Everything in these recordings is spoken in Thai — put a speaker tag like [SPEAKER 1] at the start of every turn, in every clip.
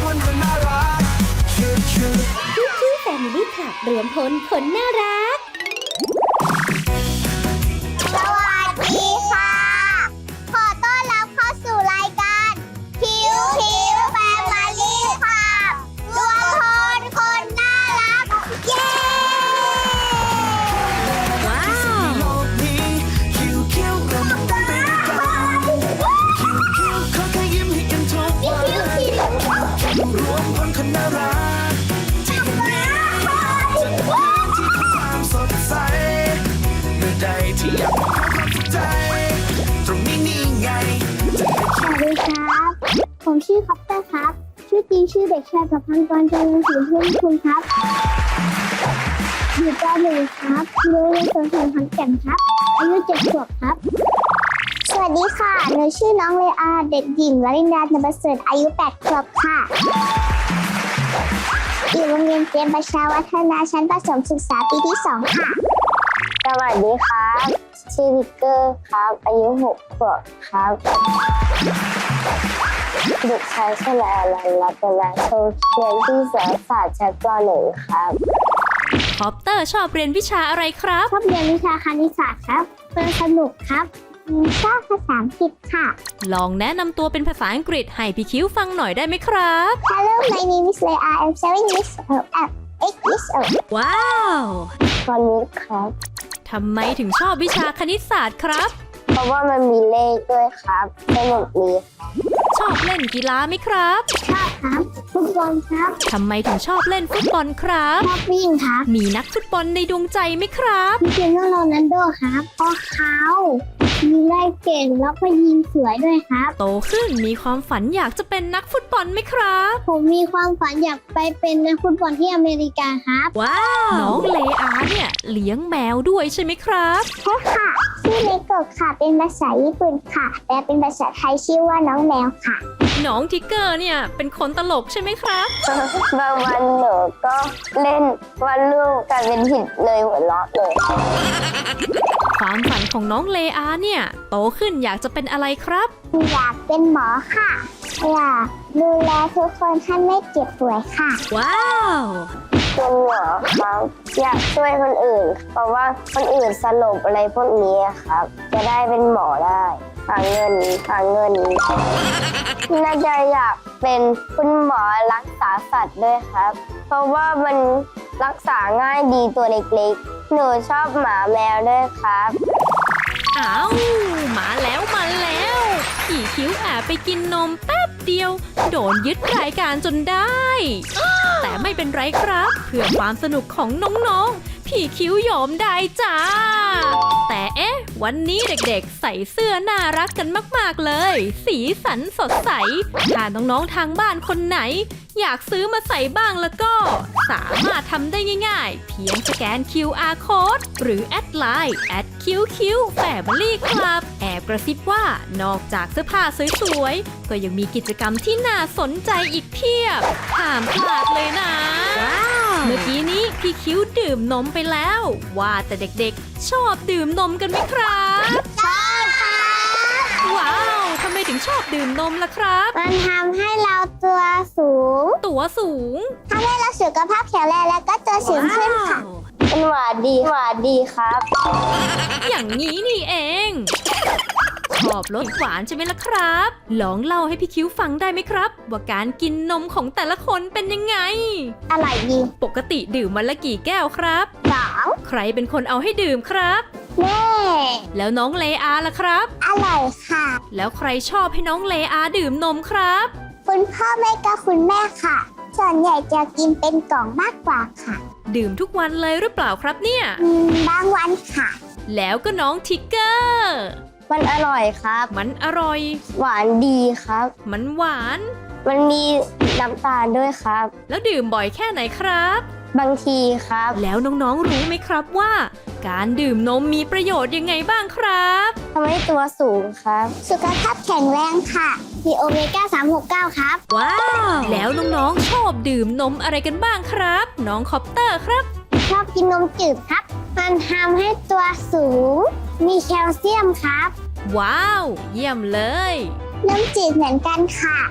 [SPEAKER 1] คนคนน่ารักชื่อ
[SPEAKER 2] พี่แฟมิลี่คลับรวมพลคนน่ารัก
[SPEAKER 3] สวัสดีค่ะ ขอต้อนรับเข้าสู่รายการคิวแฟมิลี่ค่ะรวมพลคนน่ารัก เย้
[SPEAKER 2] ว้าว
[SPEAKER 1] โลกนี้คิวเรามาต้องไปด้วยกันคิวขอแค่ยิ้มให้กันทุกวันรวมพลคนน่ารักที่วันนี้จะเป็นพื้นที่ของความสดใสเมื่อใดที่อยากมองความสุขใจตรงนี้นี่ไงจะได้
[SPEAKER 3] สวัสดีครับ ผมชื่อคอปเตอร์ครับ ชื่อจริงชื่อเด็กชายประพันธ์กรเจริญศรีเพื่อนคุณครับ อยู่ป .1 ครับโรงเรียนสวนสัตว์ขอนแก่นครับ อายุ7 ขวบครับ สวัสดีค่ะ หนูชื่อน้องเลอาเด็กหญิงวรินดา นประเสริฐอายุ8 ขวบค่ะอยู่โรงเรียนเตรียมประชาวัฒนาชั้นประถมศึกษาปีที่ 2 ค่ะ สวัสดีครับ ชื่อวิกเกอร์ครับ อายุ 6 ขวบครับเด็กชายชลาลันรัตนาโชคเรียนที่สารศาสตร์ชั้นป .1 ครับ
[SPEAKER 2] คอปเตอร์ชอบเรียนวิชาอะไรครับ
[SPEAKER 3] ชอบเรียนวิชาคณิตศาสตร์ครับเพื่อสนุกครับชอบภาษาอังกฤษค่ะ
[SPEAKER 2] ลองแนะนำตัวเป็นภาษาอังกฤษให้พี่คิ้วฟังหน่อยได้ไหมครับ
[SPEAKER 3] Hello my name is Leah I'm 7 years old I'm 8 years old
[SPEAKER 2] ว้าว
[SPEAKER 3] ตอนนี้ครับ
[SPEAKER 2] ทำไมถึงชอบวิชาคณิตศาสตร์ครับ
[SPEAKER 3] เพราะว่ามันมีเลขด้วยครับสนุกดี
[SPEAKER 2] ชอบเล่นกีฬาไหมครับ
[SPEAKER 3] ชอบครับฟุตบอลครับ
[SPEAKER 2] ทำไมถึงชอบเล่นฟุตบอลครับ
[SPEAKER 3] ชอบวิ่งครับ
[SPEAKER 2] มีนักฟุตบอลในดวงใจไหมครับ
[SPEAKER 3] คริสเตียโนโรนัลโดครับเพราะเขายิงได้เก่งแล้วก็ยิงสวยด้วยครับ
[SPEAKER 2] โตขึ้นมีความฝันอยากจะเป็นนักฟุตบอลไหมครับ
[SPEAKER 3] ผมมีความฝันอยากไปเป็นนักฟุตบอลที่อเมริกาครับ
[SPEAKER 2] ว้าว น้องเลอาเนี่ยเลี้ยงแมวด้วยใช่ไหมครับ
[SPEAKER 3] ใช่ค่ะชื่อเลโกะค่ะเป็นภาษาญี่ปุ่นค่ะแต่เป็นภาษาไทยชื่อว่าน้องแมวค่ะ
[SPEAKER 2] น้องทิกเกอร์เนี่ยเป็นคนตลกใช่ไหมครับ
[SPEAKER 3] บางวันหนูก็เล่นวันลูกกลายเป็นผิดเลยหัวเราะเลย
[SPEAKER 2] ความฝันของน้องเลอาเนี่ยโตขึ้นอยากจะเป็นอะไรครับ
[SPEAKER 3] อยากเป็นหมอค่ะอยากดูแลทุกคนให้ไม่เจ็บป่วยค่ะ
[SPEAKER 2] ว้าว
[SPEAKER 3] เป็นหมอครับอยากช่วยคนอื่น เพราะว่าคนอื่นสลบอะไรพวกนี้ครับ จะได้เป็นหมอได้หาเงินน่าจะอยากเป็นคุณหมอรักษาสัตว์ด้วยครับ เพราะว่ามันรักษาง่ายดีตัวเล็กๆ หนูชอบหมาแมวด้วยครับ
[SPEAKER 2] อ้าวมาแล้วพี่คิ้วแอบไปกินนมแป๊บเดียว โดนยึดรายการจนได้ แต่ไม่เป็นไรครับ เพื่อความสนุกของน้องๆ พี่คิ้วยอมได้จ้า แต่เอ๊ะ วันนี้เด็กๆใส่เสื้อน่ารักกันมากๆเลย สีสันสดใส ถ้าน้องๆทางบ้านคนไหน อยากซื้อมาใส่บ้างแล้วก็ สามารถทำได้ง่ายๆ เพียงสแกน QR Code หรือแอดไลน์ @QQFamilyClub แอบกระซิบว่านอกจากเสื้อผ้าสวยๆ ก็ยังมีกิจกรรมที่น่าสนใจอีกเพียบห้ามพลาดเลยนะ เมื่อกี้นี้พี่คิ้วดื่มนมไปแล้ว ว่าแต่เด็กๆ ชอบดื่มนมกันไหมครับ
[SPEAKER 3] ชอบค่ะ
[SPEAKER 2] ว้าวทำไมถึงชอบดื่มนมล่ะครับ
[SPEAKER 3] มันทำให้เราตัวสูง
[SPEAKER 2] ตัวสูง
[SPEAKER 3] ทำให้เราสุขภาพแข็งแรงแล้วก็ตัวสูงขึ้นค่ะ
[SPEAKER 2] ว้าว
[SPEAKER 3] เป็นหวานดีครับ
[SPEAKER 2] อย่างนี้นี่เอง ชอบรสหวานใช่ไหมล่ะครับ ลองเล่าให้พี่คิ้วฟังได้ไหมครับ ว่าการกินนมของแต่ละคนเป็นยังไง
[SPEAKER 3] อร่อยดี
[SPEAKER 2] ปกติดื่มวันละกี่แก้วครับ
[SPEAKER 3] 2
[SPEAKER 2] ใครเป็นคนเอาให้ดื่มครับ
[SPEAKER 3] แม่
[SPEAKER 2] แล้วน้องเลอาล่ะครับ
[SPEAKER 3] อร่อยค่ะ
[SPEAKER 2] แล้วใครชอบให้น้องเลอาดื่มนมครับ
[SPEAKER 3] คุณพ่อแม่กับคุณแม่ค่ะ ส่วนใหญ่จะกินเป็นกล่องมากกว่าค่ะ
[SPEAKER 2] ดื่มทุกวันเลยหรือเปล่าครับเนี่ย
[SPEAKER 3] บางวันค่ะ
[SPEAKER 2] แล้วก็น้องทิกเกอร์
[SPEAKER 3] มันอร่อยครับ
[SPEAKER 2] มันอร่อย
[SPEAKER 3] หวานดีครับ
[SPEAKER 2] มันหวาน
[SPEAKER 3] มันมีน้ำตาลด้วยครับ
[SPEAKER 2] แล้วดื่มบ่อยแค่ไหนครับ
[SPEAKER 3] บางทีครับ
[SPEAKER 2] แล้วน้องๆรู้ไหมครับว่า การดื่มนมมีประโยชน์ยังไงบ้างครับ
[SPEAKER 3] ทำให้ตัวสูงครับ สุขภาพแข็งแรงค่ะมีโอเมก้า 369 ครับ
[SPEAKER 2] ว้าว แล้วน้องๆชอบดื่มนมอะไรกันบ้างครับ น้องคอปเตอร์ครับ
[SPEAKER 3] ชอบกินนมจืดครับ มันทำให้ตัวสูง มีแคลเซียมครับ
[SPEAKER 2] ว้าว เยี่ยมเลย
[SPEAKER 3] นมจืดเหมือนกันค่ะทำ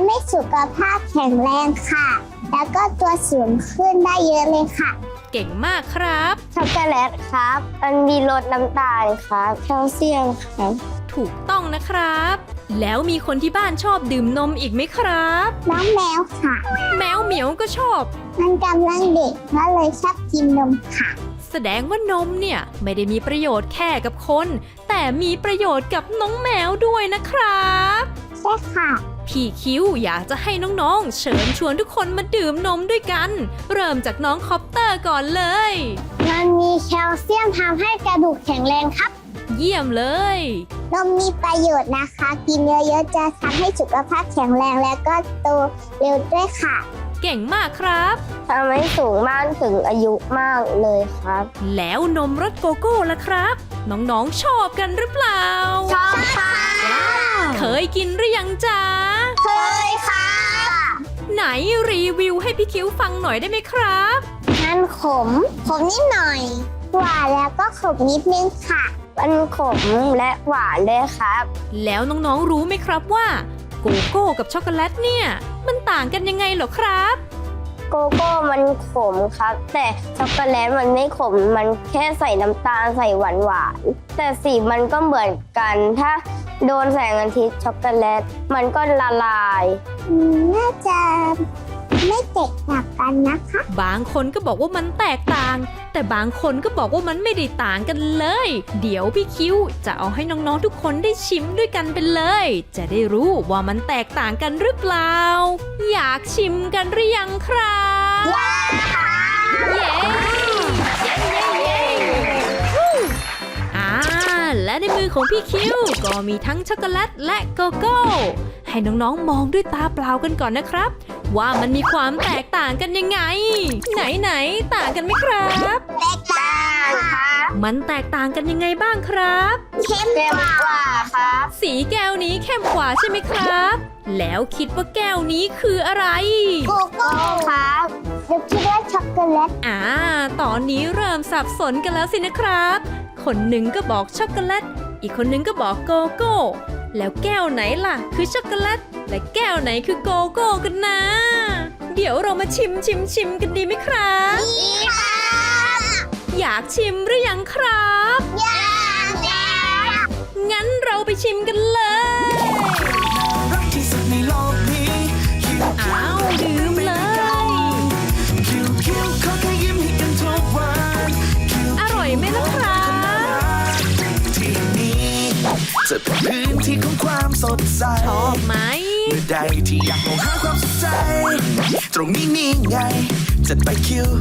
[SPEAKER 3] ให้สุขภาพแข็งแรงค่ะ แล้วก็ตัวสูงขึ้นได้เยอะเลยค่ะ
[SPEAKER 2] เก่งมากครับ
[SPEAKER 3] ช็อกโกแลตครับ มันมีรสน้ำตาลครับแคลเซียมครับ
[SPEAKER 2] ถูกต้องนะครับ แล้วมีคนที่บ้านชอบดื่มนมอีกไหมครับ
[SPEAKER 3] น้องแมวค่ะ
[SPEAKER 2] แมวเหมียวก็ชอบ
[SPEAKER 3] มันกำลังเด็กก็เลยชอบกินนมค่ะ
[SPEAKER 2] แสดงว่านมเนี่ยไม่ได้มีประโยชน์แค่กับคน แต่มีประโยชน์กับน้องแมวด้วยนะครับ
[SPEAKER 3] ใช่ค่ะ
[SPEAKER 2] พี่คิวอยากจะให้น้องๆ เชิญชวนทุกคนมาดื่มนมด้วยกัน เริ่มจากน้องคอปเตอร์ก่อนเลย
[SPEAKER 3] มันมีแคลเซียมทำให้กระดูกแข็งแรงครับ
[SPEAKER 2] เยี่ยมเลย
[SPEAKER 3] นมมีประโยชน์นะคะ กินเยอะๆจะทำให้สุขภาพแข็งแรงและก็โตเร็วด้วยค่ะ
[SPEAKER 2] เก่งมากครับ
[SPEAKER 3] ทำให้สูงมากถึงอายุมากเลยครับ
[SPEAKER 2] แล้วนมรสโกโก้ล่ะครับ น้องๆ ชอบกันหรือเปล่า
[SPEAKER 3] ชอบค่ะ
[SPEAKER 2] เคยกินหรือยังจ๊ะ
[SPEAKER 3] เคยค่ะ
[SPEAKER 2] ไหนรีวิวให้พี่คิวฟังหน่อยได้ไหมครับ
[SPEAKER 3] มันขมนิดหน่อย หวานแล้วก็ขมนิดนึงค่ะ มันขมและหวานด้วยครับ
[SPEAKER 2] แล้วน้องๆ รู้ไหมครับว่าโกโก้กับช็อกโกแลตเนี่ยมันต่างกันยังไงเหรอครับ
[SPEAKER 3] โกโก้มันขมครับ แต่ช็อกโกแลตมันไม่ขม มันแค่ใส่น้ำตาลใส่หวานๆแต่สีมันก็เหมือนกัน ถ้าโดนแสงอาทิตย์ช็อกโกแลตมันก็ละลายน่าจะไม่แตกต่างกันนะคะ
[SPEAKER 2] บางคนก็บอกว่ามันแตกต่าง แต่บางคนก็บอกว่ามันไม่ได้ต่างกันเลย เดี๋ยวพี่คิวจะเอาให้น้องๆทุกคนได้ชิมด้วยกันไปเลย จะได้รู้ว่ามันแตกต่างกันหรือเปล่า อยากชิมกันหรือยังครับเย้เย้เย้เย้ฮู้และในมือของพี่คิวก็มีทั้งช็อกโกแลตและโกโก้ ให้น้องๆมองด้วยตาเปล่ากันก่อนนะครับ ว่ามันมีความแตกต่างกันยังไง ไหนต่างกันไหมครับ
[SPEAKER 3] แตกต่างครับ
[SPEAKER 2] มันแตกต่างกันยังไงบ้างครับ
[SPEAKER 3] เข้มกว่าครับ
[SPEAKER 2] สีแก้วนี้เข้มกว่าใช่ไหมครับ แล้วคิดว่าแก้วนี้คืออะไร
[SPEAKER 3] โกโก้ครับเดี๋ยวคิดว่าช็อกโกแลต
[SPEAKER 2] ตอนนี้เริ่มสับสนกันแล้วสินะครับ คนหนึ่งก็บอกช็อกโกแลต อีกคนหนึ่งก็บอกโกโก้ แล้วแก้วไหนล่ะคือช็อกโกแลต และแก้วไหนคือโกโก้กันนะ เดี๋ยวเรามาชิมกันดีไหมครับ
[SPEAKER 3] ดีค่ะ
[SPEAKER 2] อยากชิมหรือยังครับ
[SPEAKER 3] อยากแล้ว
[SPEAKER 2] งั้นเราไปชิมกันเลย
[SPEAKER 1] รักที่สุดในโลกนี้คิว
[SPEAKER 2] อ้าวดื่มเลย
[SPEAKER 1] คิวขอแค่ยิ้มให้กันทุกวันคิว
[SPEAKER 2] อร่อยไหมล่ะครับ
[SPEAKER 1] ที่นี้จะเป็นพื้นที่ของความสดใส
[SPEAKER 2] ชอบไหม
[SPEAKER 1] เมื่อใดที่อยากมองหาความสดใสตรงนี้นี่ไงจัดไปคิว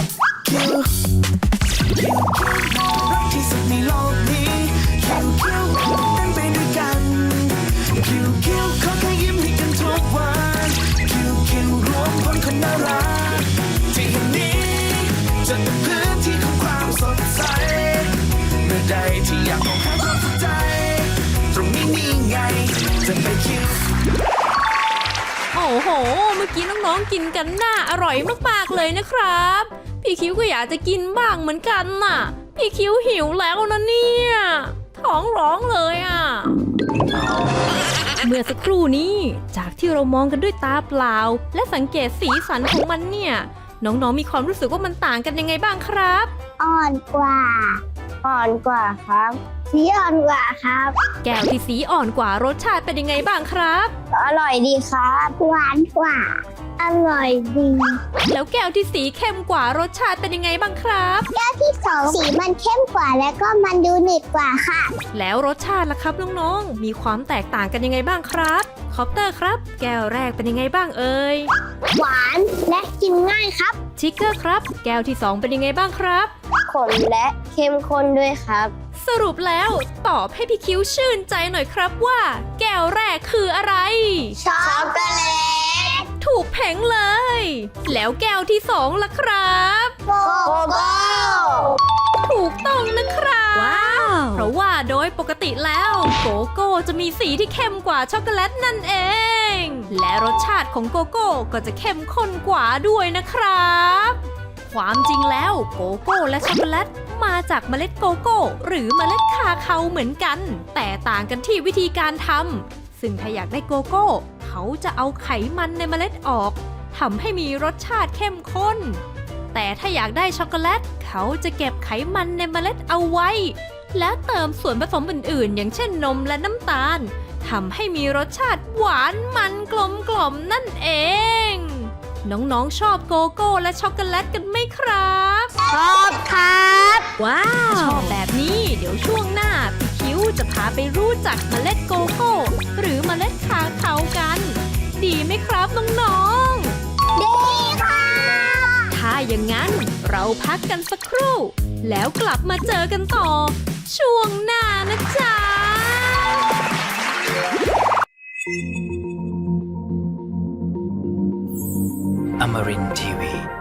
[SPEAKER 1] รักที่สุดในโลกนี้คิวเต้นไปด้วยกันคิวขอแค่ยิ้มให้กันทุกวันคิวรวมคนคนน่ารักที่แห่งนี้จะเป็นพื้นที่ของความสดใสเมื่อใดที่อยากมองหาความสดใสตรงนี้นี่ไงจัดไปคิว
[SPEAKER 2] โอ้โห เมื่อกี้น้องๆกินกันน่าอร่อยมากๆเลยนะครับ พี่คิวก็อยากจะกินบ้างเหมือนกันน่ะ พี่คิวหิวแล้วนะเนี่ย ท้องร้องเลยอ่ะ เมื่อสักครู่นี้จากที่เรามองกันด้วยตาเปล่า และสังเกตสีสันของมันเนี่ย น้องๆมีความรู้สึกว่ามันต่างกันยังไงบ้างครับ
[SPEAKER 3] อ่อนกว่าครับสีอ่อนกว่าครับ
[SPEAKER 2] แก้วที่สีอ่อนกว่ารสชาติเป็นยังไงบ้างครับ
[SPEAKER 3] อร่อยดีครับหวานกว่า อร่อยดี
[SPEAKER 2] แล้วแก้วที่สีเข้มกว่ารสชาติเป็นยังไงบ้างครับ
[SPEAKER 3] แก้วที่สองสีมันเข้มกว่าแล้วก็มันดูหนืดกว่าค่ะ
[SPEAKER 2] แล้วรสชาติล่ะครับน้องๆ มีความแตกต่างกันยังไงบ้างครับคอปเตอร์ครับ แก้วแรกเป็นยังไงบ้างเอ่ย
[SPEAKER 3] หวานและกินง่ายครับ
[SPEAKER 2] ชิคเกอร์ครับ แก้วที่ 2 เป็นยังไงบ้างครับ
[SPEAKER 3] ขมและเข้มข้นด้วยครับ
[SPEAKER 2] สรุปแล้วตอบให้พี่คิ้วชื่นใจหน่อยครับว่า แก้วแรกคืออะไร
[SPEAKER 3] ช็อกโกแลต
[SPEAKER 2] ถูกแผงเลย แล้วแก้วที่ 2ล่ะครับ
[SPEAKER 3] โกโก้
[SPEAKER 2] ถูกต้องนะครับ ว้าว เพราะว่าโดยปกติแล้วโกโก้จะมีสีที่เข้มกว่าช็อกโกแลตนั่นเอง และรสชาติของโกโก้ก็จะเข้มข้นกว่าด้วยนะครับ ความจริงแล้วโกโก้และช็อกโกแลตมาจากเมล็ดโกโก้หรือเมล็ดคาเคาเหมือนกัน แต่ต่างกันที่วิธีการทำซึ่งถ้าอยากได้โกโก้เขาเขาจะเอาไขมันในเมล็ดออกทำให้มีรสชาติเข้มข้นแต่ถ้าอยากได้ช็อกโกแลตเขาจะเก็บไขมันในเมล็ดเอาไว้และเติมส่วนผสมอื่นๆอย่างเช่นนมและน้ำตาลทำให้มีรสชาติหวานมันกลมกล่อมนั่นเองน้องๆชอบโกโก้และช็อกโกแลตกันไหมครับ
[SPEAKER 3] ชอบครับ
[SPEAKER 2] ว้าว ชอบแบบนี้เดี๋ยวช่วงหน้าพี่คิ้วจะพาไปรู้จักเมล็ดโกโก้หรือเมล็ดคาคากัน ดีไหมครับน้องๆ
[SPEAKER 3] ดีค่ะ
[SPEAKER 2] ถ้าอย่างนั้นเราพักกันสักครู่ แล้วกลับมาเจอกันต่อ ช่วงหน้านะจ๊ะ
[SPEAKER 1] Amarin Tiwi.